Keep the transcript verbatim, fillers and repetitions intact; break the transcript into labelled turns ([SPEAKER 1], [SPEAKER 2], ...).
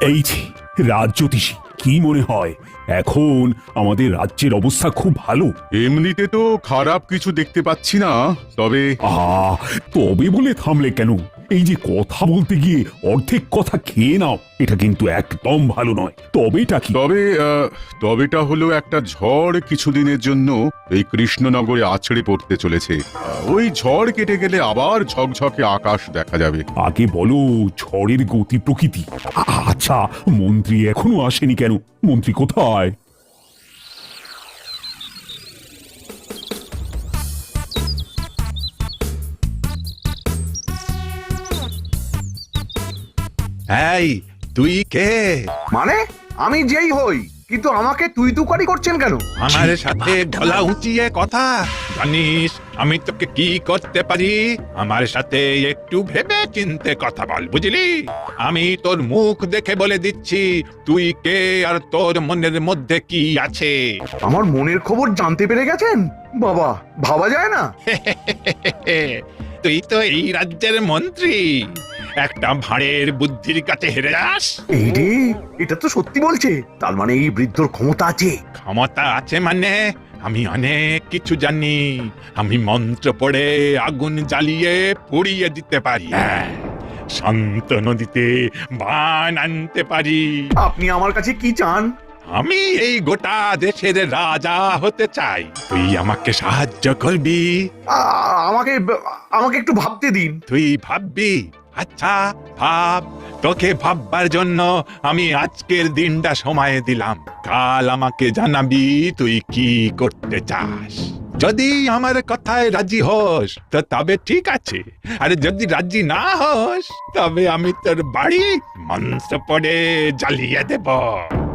[SPEAKER 1] এই যে রাজ্যোতিষী, কি মনে হয় এখন আমাদের রাজ্যের অবস্থা খুব ভালো?
[SPEAKER 2] এমনিতে তো খারাপ কিছু দেখতে পাচ্ছি না, তবে
[SPEAKER 1] আহ তবে বলে থামলে কেন? এই যে কথা বলতে গিয়ে অর্ধেক কথা খেয়ে নাও, এটা কিন্তু একদম ভালো নয়। তবেটা কি?
[SPEAKER 2] তবে আহ, তবেটা হলো একটা ঝড় কিছুদিনের জন্য এই কৃষ্ণনগরে আছড়ে পড়তে চলেছে। আহ, ওই ঝড় কেটে গেলে আবার ঝকঝকে আকাশ দেখা যাবে।
[SPEAKER 1] আগে বলো ঝড়ের গতি প্রকৃতি। আ- আচ্ছা, মন্ত্রী এখনো আসেনি কেন? মন্ত্রী কোথায়?
[SPEAKER 3] এই তুই কে?
[SPEAKER 4] মানে আমি যেই হই, কিন্তু আমাকে তুই তুকারি করছেন কেন?
[SPEAKER 3] আমার সাথে গলা উঁচিয়ে কথা জানিস আমি তোকে কি করতে পারি? আমার সাথে একটু ভেবে চিনতে কথা বল, বুঝলি? আমি তোর মুখ দেখে বলে দিচ্ছি তুই কে আর তোর মনের মধ্যে কি আছে।
[SPEAKER 4] আমার মনের খবর জানতে পেরে গেছেন? বাবা, ভাবা যায় না।
[SPEAKER 3] তুই তো এই রাজ্যের মন্ত্রী, একটা ভাঁড়ের বুদ্ধির কাছে হেরে যাস?
[SPEAKER 4] এই রে, এটা তো সত্যি বলছে। তার মানে এই বৃদ্ধর ক্ষমতা আছে।
[SPEAKER 3] ক্ষমতা আছে মানে আমি অনেক কিছু জানি। আমি মন্ত্র পড়ে আগুন জ্বালিয়ে পুড়িয়ে দিতে পারি। হ্যাঁ, শান্ত নদীতে বান আনতে পারি।
[SPEAKER 4] আপনি আমার কাছে কি চান?
[SPEAKER 3] আমি এই গোটা দেশের রাজা হতে চাই, তুই আমাকে সাহায্য করবি?
[SPEAKER 4] আ- আমাকে আমাকে একটু ভাবতে দিন।
[SPEAKER 3] তুই ভাববি? আচ্ছা ভাব। তোকে ভাববার জন্য আমি আজকের দিনটা সময় দিলাম। কাল আমাকে জানাবি তুই কি করতে চাস। যদি আমার কথায় রাজি হোস তো তবে ঠিক আছে, আর যদি রাজি না হোস তবে আমি তোর বাড়ি মন্ত্র পড়ে জ্বালিয়ে দেব।